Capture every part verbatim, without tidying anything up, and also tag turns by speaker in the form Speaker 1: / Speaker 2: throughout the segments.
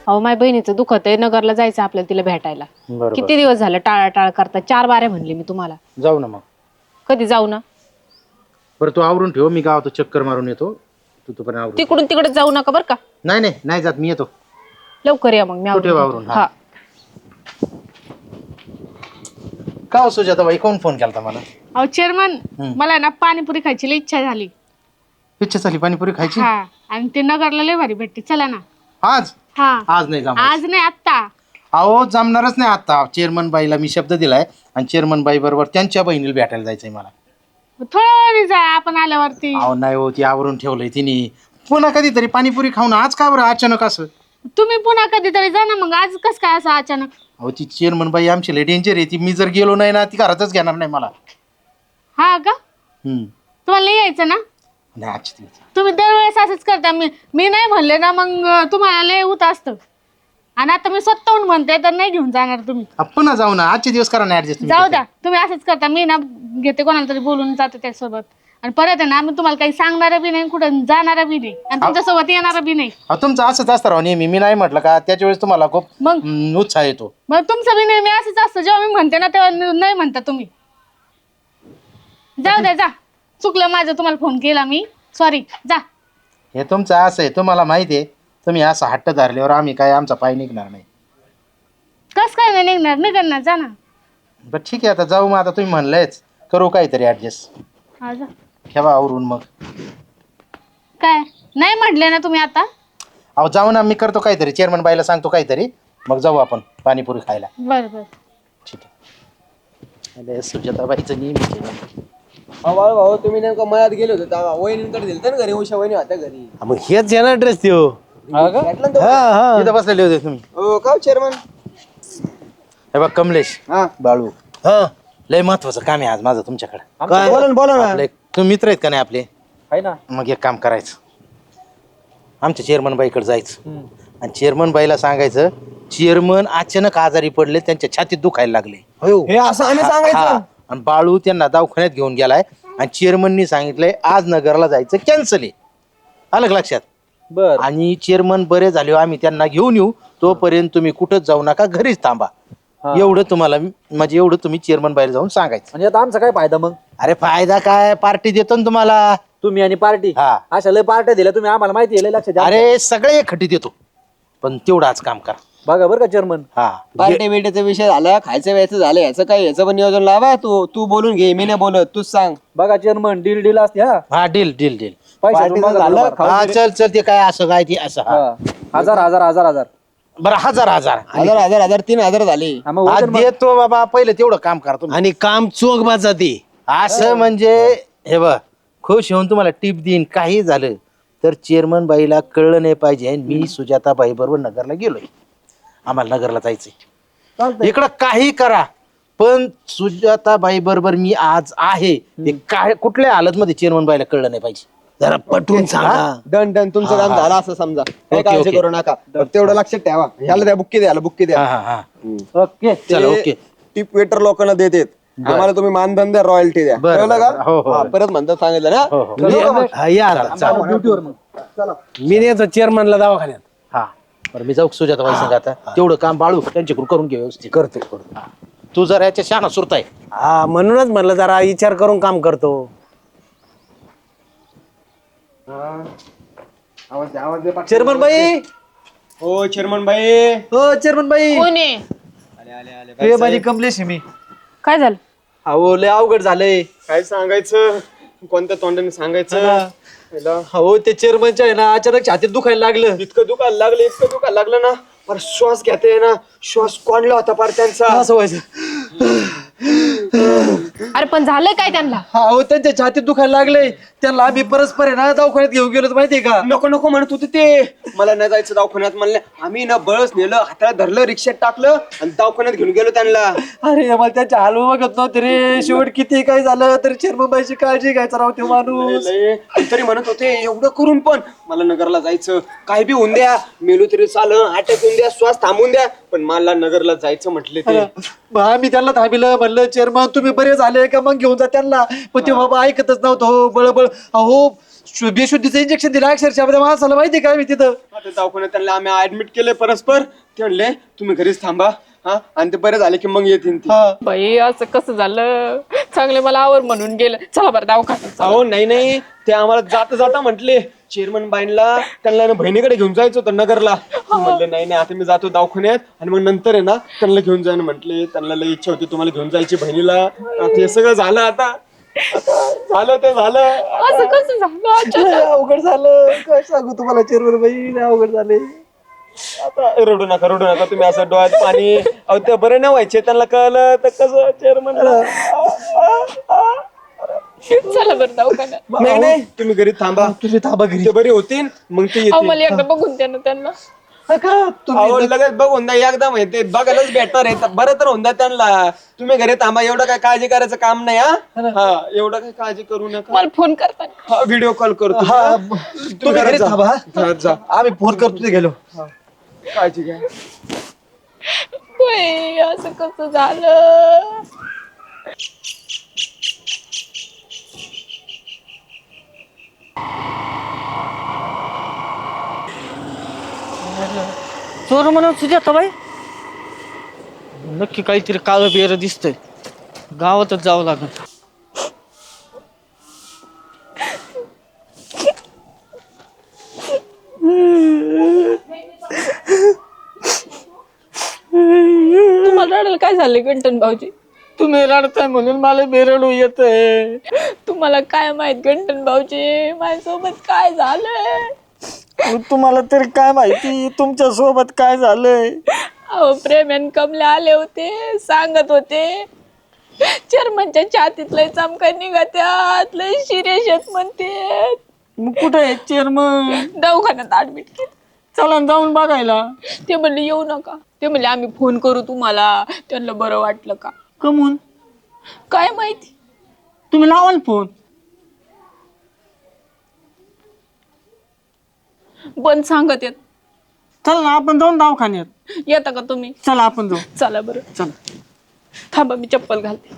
Speaker 1: अहो माझ्या बहिणीचं दुखत आहे, नगरला जायचं आपल्याला तिला भेटायला.
Speaker 2: बरोबर.
Speaker 1: किती दिवस झालं टाळा टाळ करता, चार बाऱ्या म्हणले मी तुम्हाला.
Speaker 2: जाऊ ना मग.
Speaker 1: कधी जाऊ ना?
Speaker 2: बरं तू आवरून ठेव, मी गावात चक्कर मारून येतो. तू तू पण आवरून.
Speaker 1: तिकडून तिकडे जाऊ नका बरं का.
Speaker 2: नाही नाही नाही जात, मी येतो
Speaker 1: लवकर या मग, मी
Speaker 2: तू ठेव
Speaker 1: आवरून.
Speaker 2: आवरून. हा का हो सुजाताबाई, कोण फोन केलता मला?
Speaker 3: अहो चेअरमन, मला ना पाणीपुरी खायची लई इच्छा झाली.
Speaker 2: इच्छा झाली पाणीपुरी खायची?
Speaker 3: हा, आणि ते नगरला लय भारी भेटते, चला ना.
Speaker 2: आज?
Speaker 3: हा,
Speaker 2: आज नाही जमणार.
Speaker 3: आज नाही आत्ता.
Speaker 2: अहो जमणारच नाही आता. चेअरमन बाईला मी शब्द दिलाय आणि चेअरमन बाई बरोबर त्यांच्या बहिणीला भेटायला जायचंय मला.
Speaker 3: थोड्या वेळी जा आपण आल्यावरती.
Speaker 2: अहो नाही हो, ती आवरून ठेवलंय तिने. पुन्हा कधीतरी पाणीपुरी खाऊन आज का बरं अचानक असं?
Speaker 3: तुम्ही पुन्हा कधीतरी जा ना, मग आज कस काय असं अचानक?
Speaker 2: अहो ती चेअरमन बाई आमची लय डेंजर आहे. ती मी जर गेलो नाही ना, ती घरातच घेणार नाही मला.
Speaker 3: हा का?
Speaker 2: हम्म.
Speaker 3: तुम्हाला नाही यायचं ना?
Speaker 2: नाही आजची दिवस.
Speaker 3: तुम्ही दरवेळेस असंच करता. मी मी नाही म्हणले ना, मग तुम्हाला लय होत असतं. आणि आता मी स्वतःहून म्हणते तर नाही घेऊन जाणार तुम्ही.
Speaker 2: अ, पुन्हा जाऊ ना, आजचे दिवस करा ना ऍडजस्ट.
Speaker 3: जाऊ द्या, तुम्ही असंच करता. मी ना घेते कोणाला तरी बोलून जाते त्यासोबत. आणि परत आहे ना, मी तुम्हाला काही सांगणार बी नाही, कुठं जाणार बी नाही, आणि तुमच्यासोबत येणार बी नाही.
Speaker 2: अहो तुमचं असंच असतं राव नेहमी. मी नाही म्हटलं का त्याच्या वेळेस तुम्हाला खूप
Speaker 3: मग
Speaker 2: हम्म, उत्साह येतो.
Speaker 3: मग तुमचं बी नेहमी असंच असतं. जेव्हा मी म्हणते ना तेव्हा न- नाही म्हणता तुम्ही. जाऊ द्या, जा. चुकलं माझं, तुम्हाला फोन केला मी, सॉरी. जा.
Speaker 2: हे तुमचं असं आहे, तुम्हाला माहिती आहे. तुम्ही असं हट्ट धरल्यावर आम्ही काय आमचा पाय निघणार नाही.
Speaker 3: कस काय नाही निघणार? नाही करणार, जा ना.
Speaker 2: बरं ठीक आहे, आता जाऊ. मग आता तुम्ही म्हणलंयच, करू काहीतरी ऍडजस्ट.
Speaker 3: हा, जा.
Speaker 2: ठेवा आवरून मग.
Speaker 3: काय नाही म्हटले ना तुम्ही आता?
Speaker 2: अहो जाऊ ना, मी करतो काहीतरी. चेअरमन बाईला सांगतो काहीतरी, मग जाऊ आपण पाणीपुरी खायला.
Speaker 3: बरं बरं.
Speaker 2: ठीक आहे. अरे सुजाताबाईचं नेहमीच आहे.
Speaker 4: भाऊ भाऊ तुम्ही नेमकं मळ्यात गेले होते तेव्हा वहिनींकडे दिलं ना घरी, उषा वहिनी होत्या घरी.
Speaker 5: मग हेच येणार ड्रेस देऊ.
Speaker 4: भेटलं ना
Speaker 5: हा हा
Speaker 2: इथं बसलेले होते तुम्ही.
Speaker 4: तो? का चेअरमन?
Speaker 2: हे बघ कमलेश,
Speaker 4: हा
Speaker 2: बाळू,
Speaker 5: हा
Speaker 2: लय महत्वाचं काम आहे आज माझं तुमच्याकडे.
Speaker 5: काय?
Speaker 4: बोला ना बोला ना.
Speaker 2: आपले तुम्ही मित्र आहेत का नाही आपले?
Speaker 4: आहे ना.
Speaker 2: मग एक काम करायचं, आमच्या चेअरमन बाईकडे जायचं आणि चेअरमन बाईला सांगायचं चेअरमन अचानक आजारी पडले, त्यांच्या छातीत दुखायला लागले.
Speaker 4: हे असं आम्ही
Speaker 2: हा,
Speaker 4: सांगायचं.
Speaker 2: आणि बाळू त्यांना दवाखान्यात घेऊन गेलाय आणि चेअरमननी सांगितलंय आज नगरला जायचं कॅन्सल आहे. आलं का लक्षात?
Speaker 4: बर.
Speaker 2: आणि चेअरमन बरे झाले आम्ही त्यांना घेऊन येऊ, तोपर्यंत तुम्ही कुठंच जाऊ नका, घरीच थांबा. एवढं तुम्हाला म्हणजे एवढं तुम्ही चेअरमन बाहेर जाऊन सांगायचं.
Speaker 4: म्हणजे आता आमचा काय फायदा मग?
Speaker 2: अरे फायदा काय, पार्टी देतो ना तुम्हाला.
Speaker 4: तुम्ही आणि पार्टी,
Speaker 2: हा.
Speaker 4: अशा लय पार्ट्या दिल्या तुम्ही, आम्हाला माहिती आहे, लय लक्षात द्या.
Speaker 2: अरे सगळे एकखटी देतो, पण तेवढं आज काम करा.
Speaker 4: बघा बरं का चेअरमन.
Speaker 2: हा
Speaker 4: पार्टी बिर्टीचा विषय झाला, खायचं व्यायचं झालं, याचं काय याचं पण नियोजन लावा. तू तू बोलून घे, मी नाही बोलत, तूच सांग. बघा चेअरमन, डील डील असते. हा
Speaker 2: हा डील डील डील.
Speaker 4: पैशाचं झालं.
Speaker 2: हा चल चल, ते काय असं काय ते असं. हा.
Speaker 4: हजार हजार हजार हजार
Speaker 2: बरं हजार हजार
Speaker 4: हजार हजार हजार तीन हजार झाले.
Speaker 2: आज देतो बाबा, पहिले तेवढं काम करा तुम्ही.
Speaker 5: आणि काम चोख बाचा ते.
Speaker 2: असं म्हणजे हे बघ, खुश होऊन तुम्हाला टिप देईन. काही झालं तर चेअरमन बाईला कळलं नाही पाहिजे मी सुजाता बाई बरोबर नगरला गेलोय, आम्हाला नगरला जायचंय. इकडं काही करा, पण सुजाता बाई बरोबर मी आज आहे ते काय कुठल्या हालत मध्ये चेअरमन बाईला कळलं नाही पाहिजे.
Speaker 5: जरा पटवून सांगा.
Speaker 4: डन डन, तुमचं काम झालं असं समजा. काही
Speaker 2: ओके,
Speaker 4: काळजी
Speaker 2: ओके.
Speaker 4: करू नका, फक्त तेवढं लक्षात ठेवा. ह्याला द्या बुक्की द्या, बुक्की द्या.
Speaker 2: हा हा हा
Speaker 4: ओके.
Speaker 2: चला, ओके.
Speaker 4: टिप वेटर लोकांना देतात, आम्हाला तुम्ही मानधन द्या, रॉयल्टी द्या.
Speaker 2: बरं,
Speaker 4: कळलं
Speaker 2: बरं, हो, हो.
Speaker 4: का? हा, परत म्हणतात सांगितलं ना.
Speaker 2: हो, हो.
Speaker 4: चलो का मग?
Speaker 5: हा, या आता.
Speaker 4: ड्युटीवर मग.
Speaker 5: मी नेतो चेअरमनला दवाखान्यात.
Speaker 2: हा बरं, मी जाऊ सुजाता बाई संग आता. तेवढं काम बाळू त्यांच्याकडून करून घे व्यवस्थित.
Speaker 5: करतो करतो.
Speaker 2: हा. तू जर याच्या शहाणा सुरताय.
Speaker 5: हा म्हणूनच म्हणलं जरा विचार करून काम करतो.
Speaker 4: चेअरमन बाई, हो चेअरमन बाई, हो चेअरमन बाई.
Speaker 1: कोण आहे?
Speaker 4: हे माझी कमलेश आहे मी.
Speaker 1: काय झालं?
Speaker 4: अहो लय अवघड झालंय. काय सांगायचं, कोणत्या तोंडाने सांगायचं. हो ते चेअरमनच्या आहे ना, अचानक छातीत दुखायला लागलं. इतकं दुखायला लागलं, इतकं दुखायला लागलं ना, पर श्वास घेते ना, श्वास कोंडला होता पार त्यांचा. असं व्हायचं.
Speaker 1: अरे पण झालंय काय त्यांना?
Speaker 4: हो त्यांच्या छातीत दुखायला लागले. त्यांना आम्ही परस्पर आहे ना दवाखान्यात घेऊन गेलो, माहितीये का? नको नको म्हणत होते ते, मला नाही जायचं दवाखान्यात. म्हणले आम्ही ना बळच नेलं, हाताला धरलं, रिक्षात टाकलं आणि दवाखान्यात घेऊन गेलो त्यांना. अरे मला त्यांच्या हाल बघत नव्हते रे. शेवट किती काय झालं तरी चेअरमनबाईची काळजी घ्यायचा राव ते माणूस. तरी म्हणत होते एवढं करून पण मला नगरला जायचं, काय बी होऊन द्या, मेलो तरी चालं, अटॅक होऊन द्या, श्वास थांबून द्या, पण मला नगरला जायचं म्हटले ते. मी त्यांना थांबिलं, म्हणलं चेअरमन तुम्ही बरे झाले का मग घेऊन जा त्यांना. पण ते बाबा ऐकतच नव्हतं. हो बळबळ. अहो शु- बेशुद्धीचं इंजेक्शन दिलं अक्षरशः त्या माणसाला माहिती काय मी तिथं आता दवाखान्यात त्यांना आम्ही ऍडमिट केले परस्पर. ते म्हणले तुम्ही घरीच थांबा हा आणि ते बरे झाले की मग येतील ते.
Speaker 1: बाई असं कसं झालं चांगले मला आवर म्हणून गेलं चला बरं दवाखान्यात
Speaker 4: अहो नाही नाही ते आम्हाला जाता जाता म्हटले चेअरमन बाईंना त्यांना ना बहिणीकडे घेऊन जायचं होतं नगरला. म्हटलं नाही नाही आता मी जातो दवाखान्यात आणि मग नंतर आहे ना त्यांना घेऊन जाणं म्हटले. त्यांना लई इच्छा होती तुम्हाला घेऊन जायची बहिणीला. ते सगळं झालं आता आता झालं ते झालं.
Speaker 1: असं कसं झालं अचानक?
Speaker 4: अवघड झालं काय सांगू तुम्हाला चेअरमन बाई अवघड झाले. आता रडू नका रडू नका तुम्ही असं डोळ्यात पाणी. अहो ते बरे नाही व्हायचे त्यांना कळलं तर कसं चेअरमन.
Speaker 1: चला बरं दवाखान्यात.
Speaker 4: नाही नाही तुम्ही घरी थांबा तुम्ही थांबा घरी ते बरे होतील मग ते
Speaker 1: अहो
Speaker 4: येतील.
Speaker 1: मला एकदा बघून द्या ना त्यांना.
Speaker 4: अहो, लगेच बघून द्या एकदा माहिती बघायलाच भेटणार आहे बरं तर होऊन द्या त्यांना. तुम्ही घरी थांबा एवढं काय काळजी करायचं काम नाही. हा हा एवढं काय काळजी करू नका.
Speaker 1: मला फोन करता
Speaker 4: हा व्हिडिओ कॉल करतो. तुम्ही घरी थांबा घरात जा आम्ही फोन करतो ते गेलो. काळजी घ्या.
Speaker 1: बाई असं कसं झालं.
Speaker 6: चोर म्हणून सुजाता बाई नक्की काहीतरी काळं बेर दिसतंय. गावातच जावं लागेल.
Speaker 1: तुम्हाला रडायला काय झालं गंटन भाऊजी?
Speaker 6: तुम्ही रडताय म्हणून मला बेरडू येतंय.
Speaker 1: तुम्हाला काय माहित गंटन भाऊजी माझ्यासोबत काय झालंय?
Speaker 6: तुम्हाला तरी काय माहिती तुमच्या सोबत काय झालंय.
Speaker 1: अहो प्रेम कमले आले होते सांगत होते चेअरमनच्या छातीत लय चमका निघत्यात लय सिरियस आहेत म्हणते.
Speaker 6: मग कुठे आहे चेअरमन?
Speaker 1: दवाखान्यात ऍडमिट केलं.
Speaker 6: चला न जाऊन बघायला.
Speaker 1: ते म्हणले येऊ नका. ते म्हणले आम्ही फोन करू तुम्हाला. त्यांना बरं वाटलं का
Speaker 6: कमून
Speaker 1: काय माहिती.
Speaker 6: तुम्ही लावाल फोन.
Speaker 1: पण सांगत येत.
Speaker 6: चला ना आपण जाऊन दवाखान्यात.
Speaker 1: येता का तुम्ही?
Speaker 6: चला आपण जाऊ.
Speaker 1: चला बरं.
Speaker 6: चला
Speaker 1: थांबा मी चप्पल घालते.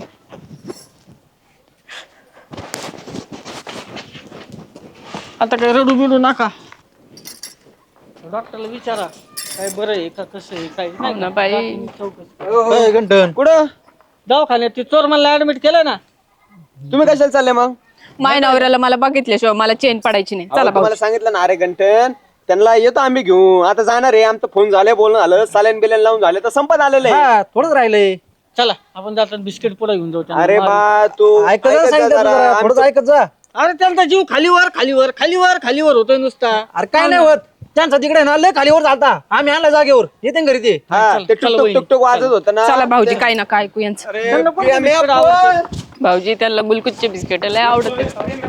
Speaker 6: आता काय रडू बिडू नका. डॉक्टरला विचारा काय बरं आहे का कसं आहे काय
Speaker 1: हो ना बाई.
Speaker 2: ए, गंठन
Speaker 4: कुठं
Speaker 6: दवाखान्यात ती चोर मला ऍडमिट केलं ना.
Speaker 4: तुम्ही कशाला चालले मग?
Speaker 1: माय नवऱ्याला मला बघितल्याशिवाय मला चेन पडायची नाही. चला
Speaker 4: तुम्हाला सांगितलं ना अरे घंटन त्यांना येतो आम्ही घेऊ. आता जाणार आहे आमचं फोन झालंय बोलणं झालं सालेन बिलेन लावून झाले तर संपत आलेलं आहे.
Speaker 2: हा थोडंच राहिलंय.
Speaker 6: चला आपण जाताना बिस्किट पुढे घेऊन जाऊ त्यांना.
Speaker 4: अरे बा तू
Speaker 2: ऐकत जा,
Speaker 4: ऐकत जा
Speaker 2: सांगितलं
Speaker 4: जरा.
Speaker 2: तुला, थोडंच
Speaker 4: आमचं-
Speaker 2: ऐकत जा.
Speaker 6: अरे त्यांचा जीव खालीवर खालीवर खालीवर खालीवर होतोय नुसता.
Speaker 2: अरे काय नाही होत त्यांचा तिकडे ना लय खालीवर चालता. आम्ही आणला जागेवर येते ना घरी ते.
Speaker 4: हा,
Speaker 6: चल,
Speaker 4: ते
Speaker 6: चल
Speaker 4: टुकटुक
Speaker 6: वहिनी,
Speaker 4: टुकटुक वाजत होतं ना.
Speaker 1: चला भाऊजी काय नका ऐकू यांचं.
Speaker 4: अरे,
Speaker 6: त्यांना पण
Speaker 4: प्रिया, मी
Speaker 6: बिस्किट
Speaker 4: आपण-
Speaker 6: आवडतं.
Speaker 1: भाऊजी त्यांना गुलकुच्चे बिस्किट लय आवडते.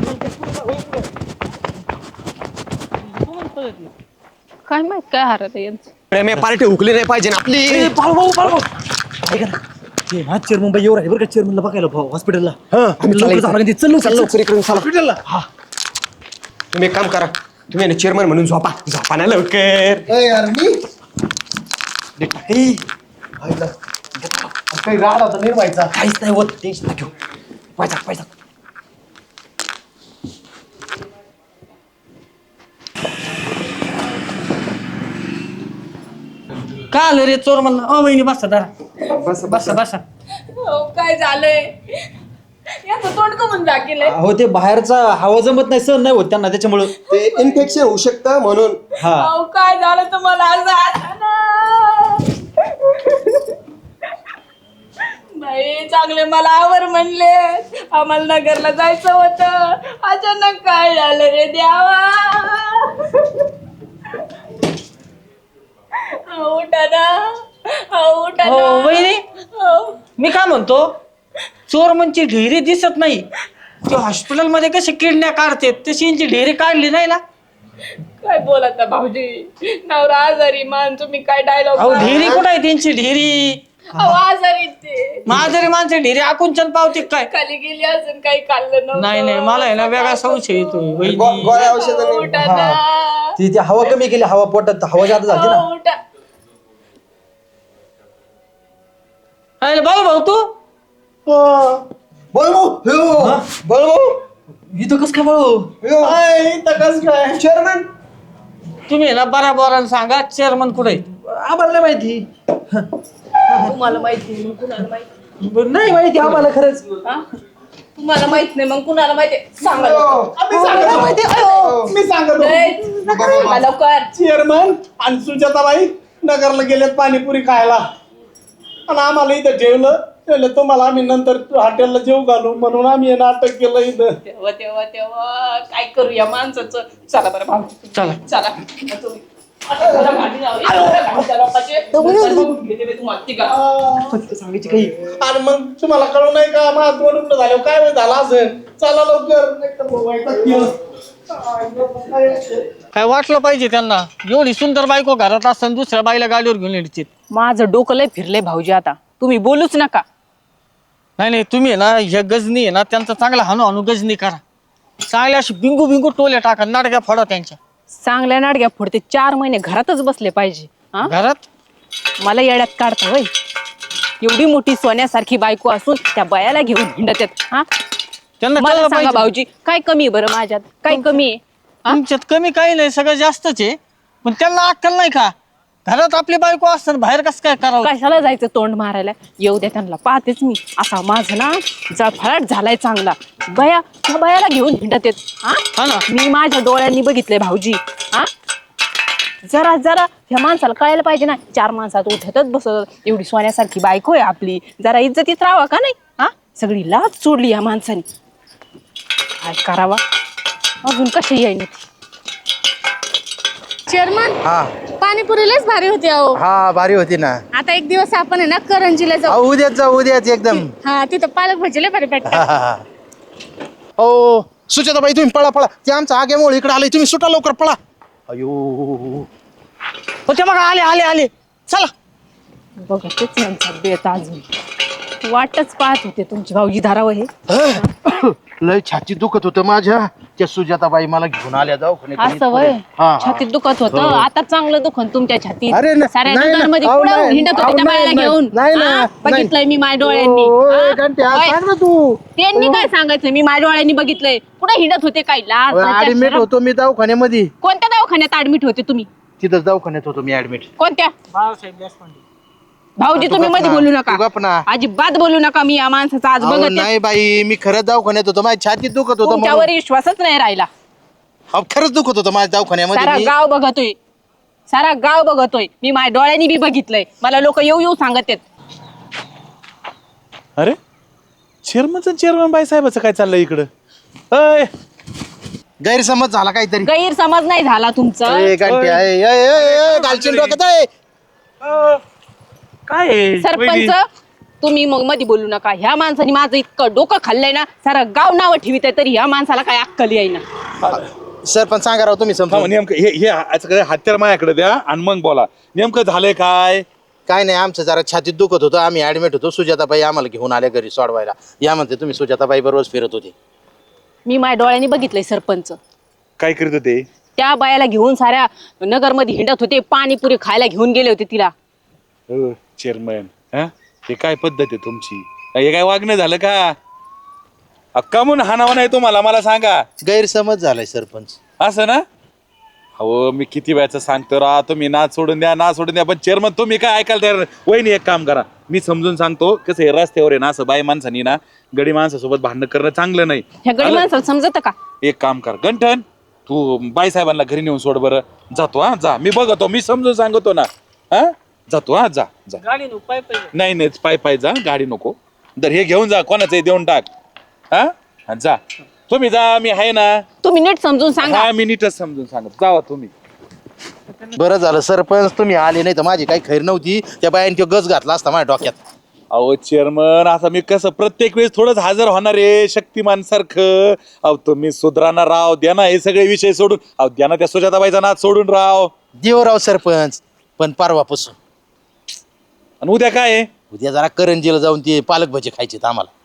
Speaker 1: काय माहित काय हारत आहे यांचं.
Speaker 4: प्रेम पार्टी हुकली नाही पाहिजे ना आपली.
Speaker 2: ते ना चेअरमन बाई एवढं आहे बरं का चेअरमनला बघायला हॉस्पिटलला.
Speaker 4: आम्ही
Speaker 2: लवकर जाऊ लागेल. चल
Speaker 4: चल लवकर इकडून चला हॉस्पिटलला. हा तुम्ही एक काम करा तुम्ही चेअरमन म्हणून झोपा झोपा ना लवकर.
Speaker 2: काही राड होता निर्वायचा काहीच नाही होत. टेन्शन घेऊ. पैसा पैसा
Speaker 6: का आलं रे चोर म्हणला. अ वहिनी बसा जरा
Speaker 4: बस
Speaker 6: बसा बसा.
Speaker 1: हो काय झालंय याचं तोंड कमून दाखिलंय.
Speaker 2: हो ते बाहेरचा हवा जमत नाही सहन नाही होत त्यांना त्याच्यामुळं.
Speaker 4: ते इन्फेक्शन होऊ शकतं म्हणून.
Speaker 2: हा
Speaker 1: अहो काय झालं तुम्हाला आज आठवण. बाई चांगले मला आवर म्हणले आम्हाला नगरला जायचं होतं अचानक काय झालं रे द्यावा. उठा ना उठा
Speaker 6: हो
Speaker 1: ना.
Speaker 6: वहिनी
Speaker 1: हो.
Speaker 6: मी काय म्हणतो चोर म्हणजे ढेरी दिसत नाही. ते हॉस्पिटल मध्ये कसे किडण्या काढते तशी यांची ढेरी काढली नाही ना.
Speaker 1: काय बोलता भाऊजी नवरा आजारी मान तुम्ही काय डायलॉग.
Speaker 6: अहो ढेरी कुठं आहे त्यांची ढेरी.
Speaker 1: आजारी ते
Speaker 6: माझरी माणसं ढेरी आकुंचन पावते काय.
Speaker 1: खाली गेली अजून काही खाल्लं नव्हतं.
Speaker 6: नाही नाही मला आहे ना वेगळा संशय येतो
Speaker 4: गो-
Speaker 6: वहिनी.
Speaker 4: गोळ्या औषधांनी
Speaker 1: उठा ना.
Speaker 2: ती ती हवा कमी केली. हवा पोटात हवा जास्त झाली ना.
Speaker 1: हो, उठा.
Speaker 6: अरे भाऊ भाऊ तू
Speaker 4: बोल भाऊ हो. बोल भाऊ
Speaker 6: इथं कस काय बळू
Speaker 4: चेअरमन
Speaker 6: तुम्ही ना बराबर सांगा चेअरमन कुठे आहे?
Speaker 4: आम्हाला नाही माहिती
Speaker 1: तुम्हाला माहिती मग कुणाला माहिती
Speaker 4: नाही माहिती आम्हाला खरंच
Speaker 1: हा? तुम्हाला माहित नाही मग कुणाला माहिती सांगा
Speaker 7: मी सांगतो
Speaker 1: सांगा लवकर.
Speaker 7: चेअरमन आणि सुजाताबाई नगरला गेलेत पाणीपुरी खायला आणि आम्हाला इथं ठेवलं ठेवलं तुम्हाला आम्ही नंतर हॉटेलला जेव घालू म्हणून आम्ही हे नाटक केलं इथं.
Speaker 1: तेव्हा तेव्हा तेव्हा काय करू या माणसाचं. चला बरं भाऊ
Speaker 6: चला.
Speaker 1: चला तुम्ही. आता घरा गाडी लावली. घरा गाडीच्या लोकांचे. नंतर बघून घेते मी तुम्हाला तिघा.
Speaker 4: सांगायची काही
Speaker 7: आणि मग तुम्हाला कळू नाही का माझं दोन रुपये झाले काय वेळ झाला असेल. चला लवकर नाही तर मग वैताग केलं.
Speaker 6: काय वाटलं पाहिजे त्यांना एवढी सुंदर बायको घरात असताना दुसऱ्या बाईला गाडीवर घेऊन यायची.
Speaker 1: माझं डोकं लय फिरलंय भाऊजी आता. तुम्ही बोलूच नका.
Speaker 6: नाही नाही तुम्ही आहे ना हे गजनी आहे ना त्यांचा चांगला हाणू हाणू गजनी करा. चांगल्या अशी बिंगू बिंगू टोले टाका नाडक्या फोडा त्यांच्या
Speaker 1: चांगल्या नाडग्या फोडते. चार महिने घरातच बसले पाहिजे. हा
Speaker 6: घरात.
Speaker 1: मला येड्यात काढता होय. एवढी मोठी सोन्यासारखी बायको असून त्या बायाला घेऊन हिंडत आहेत. हा
Speaker 6: त्यांना
Speaker 1: मला
Speaker 6: कळलं
Speaker 1: सांगा
Speaker 6: पाहिजे.
Speaker 1: भाऊजी काय कमी आहे बरं माझ्यात. काय कमी आहे.
Speaker 6: तुमच्यात कमी काही नाही सगळं जास्तच आहे पण त्यांना अक्कल नाही का घरात आपली बायको असताना बाहेर कसं काय करावं.
Speaker 1: कशाला जायचं तोंड मारायला. येऊ द्या त्यांना पाहतेच मी. असा माझा ना जळफळाट झालाय चांगला. बया त्या बायाला घेऊन हिंडत आहेत.
Speaker 6: हा ना.
Speaker 1: हा मी माझ्या डोळ्यांनी बघितलंय भाऊजी. हा जरा जरा ह्या माणसाला कळायला पाहिजे ना. चार माणसात उठतच बसत एवढी सोन्यासारखी बायको आहे आपली. जरा इज्जतीत राहावा का नाही. हा सगळी लाज सोडली या माणसाने. काय करावा अजून कशी येईन.
Speaker 3: चेअरमन
Speaker 2: हा
Speaker 3: पाणीपुरी लयच भारी होती अहो.
Speaker 2: हा भारी होती ना.
Speaker 3: आता एक दिवस आपण आहे ना करंजीला जाऊ.
Speaker 2: अहो, उद्याच जाऊ उद्याच एकदम.
Speaker 3: हा तिथं पालक भाजी लय भारी भेटतात.
Speaker 2: हा, हा, हा. ओ सुजाताबाई तुम्ही पळा पळा ते आमचं आग्यामुळे इकडे आले तुम्ही सुटा लवकर पळा. अयो
Speaker 6: हो ते बघा आले आले आले चला.
Speaker 1: बघा तेच यांचा बेत अजून. वाटच पाहत होते तुमची भाऊजी धारावं हे.
Speaker 2: लय छाती दुखत होतं माझ्या. त्या सुजाताबाई मला घेऊन आल्या दवाखान्यात.
Speaker 1: असं वय
Speaker 2: हा, हा.
Speaker 1: छातीत दुखत होतं.
Speaker 2: हो.
Speaker 1: आता चांगलं दुखन तुमच्या छातीत.
Speaker 2: अरे न-
Speaker 1: साऱ्या
Speaker 2: नाही ना.
Speaker 1: नगरमध्ये
Speaker 2: अहो,
Speaker 1: कुठं
Speaker 2: नाही.
Speaker 1: हिंडत होते
Speaker 2: अहो,
Speaker 1: त्या बायाला
Speaker 2: नाही,
Speaker 1: घेऊन.
Speaker 2: नाही ना.
Speaker 1: हा? बघितलंय मी माझ्या डोळ्यांनी.
Speaker 2: ओ,
Speaker 1: हा?
Speaker 2: ए, घंट्या,
Speaker 1: होय.
Speaker 2: सांग ना तू.
Speaker 1: त्यांनी काय सांगायचं मी माझ्या डोळ्यांनी बघितलंय. कुठे हिंडत होते काय लाज लज्जा,
Speaker 2: ऍडमिट
Speaker 1: शरम?
Speaker 2: होतो मी दवाखान्यामध्ये.
Speaker 1: कोणत्या दवाखान्यात ऍडमिट होते तुम्ही.
Speaker 2: तिथंच दवाखान्यात होतो मी ऍडमिट.
Speaker 1: कोणत्या
Speaker 6: बाळासाहेब देशपांडे.
Speaker 1: भाऊजी
Speaker 2: तू
Speaker 1: तुम्ही
Speaker 2: गप
Speaker 1: मध्ये
Speaker 2: ना.
Speaker 1: बोलू
Speaker 2: तू
Speaker 1: नका.
Speaker 2: गप ना.
Speaker 1: अजिबात बोलू नका. मी या माणसाचा आज
Speaker 2: अहो,
Speaker 1: बघत आहे.
Speaker 2: नाही बाई मी खरंच दवाखान्यात होतो माझ्या छातीत दुखत होतं म्हणून.
Speaker 1: तुमच्यावर विश्वासच नाही राहिला.
Speaker 2: अहो, खरंच दुखत होतं माझ्या दवाखान्यामध्ये
Speaker 1: सारा
Speaker 2: मी.
Speaker 1: गाव बघतोय. सारा गाव बघतोय. मी माझ्या डोळ्यांनी बी बघितलंय. मला लोक येऊ येऊ सांगत आहेत.
Speaker 8: अरे चेअरमनचं चेअरमन बाई साहेबाचं काय चाललंय इकडं. अय
Speaker 2: गैरसमज झाला काहीतरी.
Speaker 1: गैरसमज नाही झाला तुमचा.
Speaker 2: ए, घंट्या, ए, ए, ए, ए, घालशील डोक्यात, ए.
Speaker 8: काय आहे?
Speaker 1: सरपंच
Speaker 8: वहिनी.
Speaker 1: तुम्ही मग मध्ये बोलू नका. ह्या माणसाने माझं इतकं डोकं खाल्लंय ना. सारा गाव नावं ठेवीत आहे तरी ह्या माणसाला काय अक्कल येईना.
Speaker 2: सरपंच सांगा राव तुम्ही
Speaker 8: थांबा,
Speaker 2: समजून.
Speaker 8: नेमकं हे हे याचं हत्यार माझ्याकडे द्या आणि मग बोला नेमकं झालंय काय.
Speaker 2: काय नाही आमचं जरा छातीत दुखत होतं आम्ही ऍडमिट होतो. सुजाताबाई आम्हाला घेऊन आल्या घरी सोडवायला. या म्हणते तुम्ही सुजाताबाई बरोबर फिरत होते.
Speaker 1: मी माझ्या डोळ्यांनी बघितलंय सरपंच.
Speaker 8: काय करीत होते.
Speaker 1: त्या बायाला घेऊन साऱ्या नगरमध्ये हिंडत होते. पाणीपुरी खायला घेऊन गेले होते तिला.
Speaker 8: हो चेअरमन हा हे काय पद्धत आहे तुमची. हे काय वागणं झालं का. अक्का म्हणून हाणावं नाही तुम्हाला मला सांगा.
Speaker 2: गैरसमज झालाय सरपंच.
Speaker 8: असं ना. हो मी किती वेळाचं सांगतो रा तुम्ही नाच सोडून द्या नाच सोडून द्या पण चेअरमन तुम्ही काय ऐकायला तयार नाही. वहिनी एक काम करा मी समजून सांगतो कसं हे रस्त्यावर आहे ना असं बाई माणसानी ना गडी माणसासोबत भांडण करणं चांगलं नाही.
Speaker 1: ह्या गडी माणसाला समजत का.
Speaker 8: एक काम कर गंठन तू बाई साहेबांना घरी नेऊन सोड बरं. जातो हा जा मी बघतो मी समजून सांगतो ना. हा जातो हा जा जा.
Speaker 6: गाडी नको पाय पाहिजे.
Speaker 8: नाही नाही पाय पाय जा गाडी नको. तर हे घेऊन जा कोणाचं देऊन टाक. हा हा, जा तुम्ही जा मी आहे ना.
Speaker 1: तुम्ही नीट समजून सांगा.
Speaker 8: हा मी नीटच समजून सांगतो जावा तुम्ही.
Speaker 2: बरं झालं सरपंच तुम्ही आले नाही तर माझी काही खैर नव्हती. त्या बायाने तो गज घातला असता माझ्या डोक्यात.
Speaker 8: अहो चेअरमन असं मी कसं प्रत्येक वेळेस थोडंच हजर होणार आहे शक्तिमान सारखं. अहो तुम्ही सुधराना राव द्या ना हे सगळे विषय सोडून. अहो द्या ना त्या सुजाताबाईचा नाच सोडून राव.
Speaker 2: देवराव सरपंच पण परवापासून
Speaker 8: आणि उद्या काय आहे.
Speaker 2: उद्या जरा करंजीला जाऊन ते पालक भजी खायचे आम्हाला.